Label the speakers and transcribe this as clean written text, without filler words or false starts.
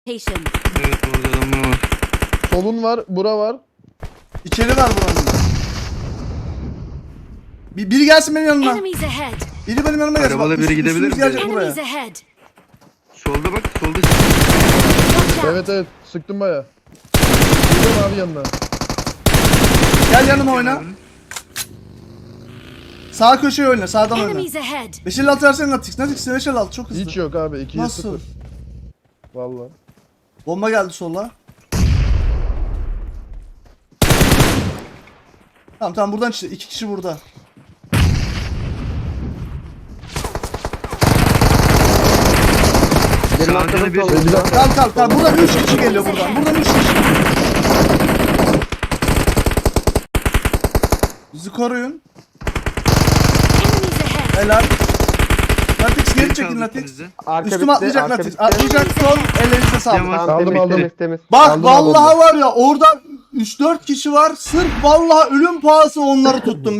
Speaker 1: Location.
Speaker 2: Evet orada adamlar var.
Speaker 3: Solun var, bura var.
Speaker 4: İçeri var buranın. Biri gelsin benim yanıma.
Speaker 1: Enemies ahead.
Speaker 4: Biri benim yanıma gelsin.
Speaker 2: Arabalı
Speaker 4: Bak,
Speaker 2: biri gidebilir
Speaker 4: üstümüz
Speaker 2: mi?
Speaker 4: gelecek buraya.
Speaker 1: Enemies ahead.
Speaker 2: Solda bak solda.
Speaker 1: Watch out.
Speaker 3: Evet evet, sıktım baya. Gidiyorum abi yanına.
Speaker 4: Gel yanıma oyna. Sağ köşeye oyna. Sağdan oyna.
Speaker 1: Enemies ahead.
Speaker 4: 556 versene Natix. Natix 556 çok hızlı.
Speaker 3: Hiç yok abi, 2'ye
Speaker 4: Nasıl?
Speaker 3: 0. Valla.
Speaker 4: Bomba geldi sola. Tamam buradan çıktı. 2 kişi burada.
Speaker 5: Benim
Speaker 2: Sağda
Speaker 5: arkamda
Speaker 2: bir-
Speaker 5: solda.
Speaker 3: Bir dakika.
Speaker 4: Kal. Buradan 3 kişi geliyor buradan. Buradan 3 kişi. Bizi koruyun.
Speaker 1: Enemies ahead.
Speaker 4: Helal. Natix geri
Speaker 2: Beni
Speaker 4: çekin
Speaker 2: kaldı
Speaker 4: Natix.
Speaker 2: ikinizi.
Speaker 5: Arka
Speaker 4: Üstüme
Speaker 5: bitti,
Speaker 4: atlayacak
Speaker 5: arka
Speaker 4: Natix.
Speaker 5: bitti.
Speaker 4: Atlayacak son. Ellerinize sağlık.
Speaker 2: Tamam.
Speaker 5: Tamam,
Speaker 3: Aldım,
Speaker 5: temiz,
Speaker 3: aldım.
Speaker 5: temiz, temiz.
Speaker 4: Bak
Speaker 3: Aldım,
Speaker 4: vallahi
Speaker 3: aldım.
Speaker 4: var ya orada 3-4 kişi var. Sırf vallahi ölüm pahası onları tuttum.